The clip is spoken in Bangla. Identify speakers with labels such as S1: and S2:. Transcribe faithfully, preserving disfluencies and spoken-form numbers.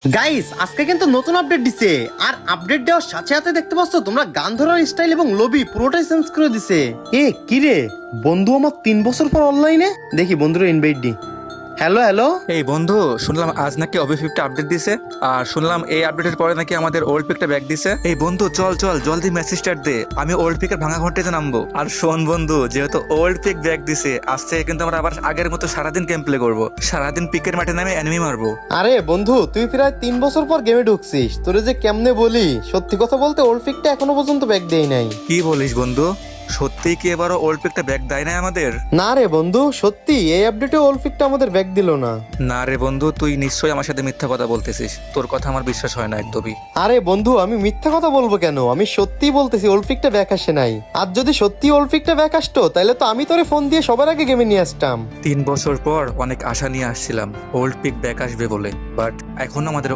S1: গাইস আজকে কিন্তু নতুন আপডেট দিছে আর আপডেট দেওয়ার সাথে সাথে দেখতে পাচ্ছ তোমরা গান ধরার স্টাইল এবং লবি পুরোটাই চেঞ্জ করে দিছে। এ কি রে বন্ধু আমার তিন বছর পর অনলাইনে দেখি বন্ধুরা ইনভাইট দি। হ্যালো হ্যালো
S2: এই বন্ধু, শুনলাম আজ নাকি অবি ফিফটি আপডেট দিছে, আর শুনলাম এই আপডেটের পরে নাকি আমাদের ওল্ড পিকটা ব্যাক দিছে। এই বন্ধু চল চল জলদি মেসেজ স্টার্ট দে, আমি ওল্ড পিকের ভাঙা ঘন্টাতে নামবো। আর শোন বন্ধু, যেহেতু ওল্ড পিক ব্যাক দিছে, আজ থেকে কিন্তু আমরা আবার আগের মতো সারাদিন গেম প্লে করবো, সারাদিন পিকের মাঠে নামে এনিমি মারবো।
S1: আরে বন্ধু তুই প্রায় তিন বছর পর গেমে ঢুকছিস, তোরে যে কেমনে বলি, সত্যি কথা বলতে ওল্ড পিকটা এখনো পর্যন্ত ব্যাক দেই নাই।
S2: কি বলিস বন্ধু, সত্যি কি এবারও ওল্ড পিকটা ব্যাক দেয় না আমাদের?
S1: না রে বন্ধু, সত্যি এই আপডেটে ওল্ড পিকটা আমাদের ব্যাক দিল না।
S2: না রে বন্ধু, তুই নিশ্চয়ই আমার সাথে মিথ্যা কথা বলতেছিস, তোর কথা আমার বিশ্বাস হয় না একদমই।
S1: আরে বন্ধু আমি মিথ্যা কথা বলবো কেন, আমি সত্যিই বলতেছি ওল্ড পিকটা ব্যাক আসে নাই। আর যদি সত্যি ওল্ড পিকটা ব্যাক আসতো তাহলে তো আমি তোরে ফোন দিয়ে সবার আগে গেমে নিয়ে আসতাম।
S2: তিন বছর পর অনেক আশা নিয়ে আসছিলাম ওল্ড পিক ব্যাক আসবে বলে, বাট এখন আমাদের